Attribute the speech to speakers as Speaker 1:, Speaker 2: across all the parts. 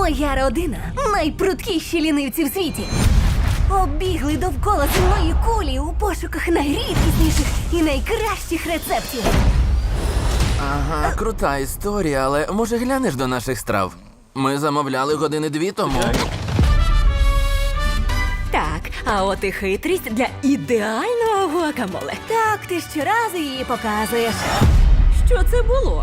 Speaker 1: Моя родина найпруткіші лінивці в світі. Обігли довкола земної кулі у пошуках найрідкісніших і найкращих рецептів.
Speaker 2: Ага, крута історія, але може глянеш до наших страв? Ми замовляли години 2 тому.
Speaker 3: Так, а от і хитрість для ідеального гуакамоле.
Speaker 1: Так, ти щоразу її показуєш.
Speaker 3: Що це було?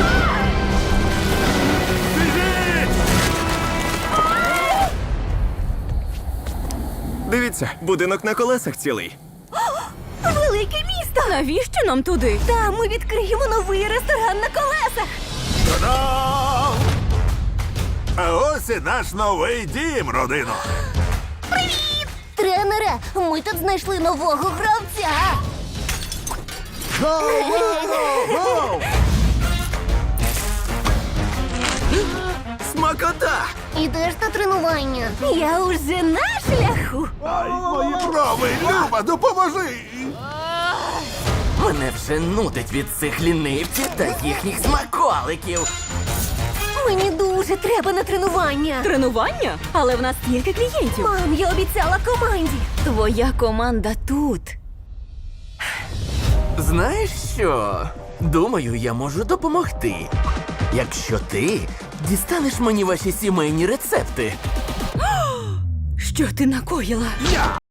Speaker 4: Дивіться, будинок на колесах цілий.
Speaker 1: Велике місто!
Speaker 3: Навіщо нам туди?
Speaker 1: Там ми відкриємо новий ресторан на колесах.
Speaker 5: Та-дам! А ось і наш новий дім, родино.
Speaker 1: Тренере, ми тут знайшли нового гравця.
Speaker 2: Смакота!
Speaker 1: Ідеш на тренування. Я уже на шляху.
Speaker 5: Ай, мої брови! Люба, допоможи!
Speaker 2: Мене вже нудить від цих лінивців та їхніх смаколиків.
Speaker 1: Мені дуже треба на тренування.
Speaker 3: Тренування? Але в нас стільки клієнтів.
Speaker 1: Мам, я обіцяла команді.
Speaker 3: Твоя команда тут.
Speaker 2: Знаєш що? Думаю, я можу допомогти. Якщо ти дістанеш мені ваші сімейні рецепти.
Speaker 3: Що ти накоїла?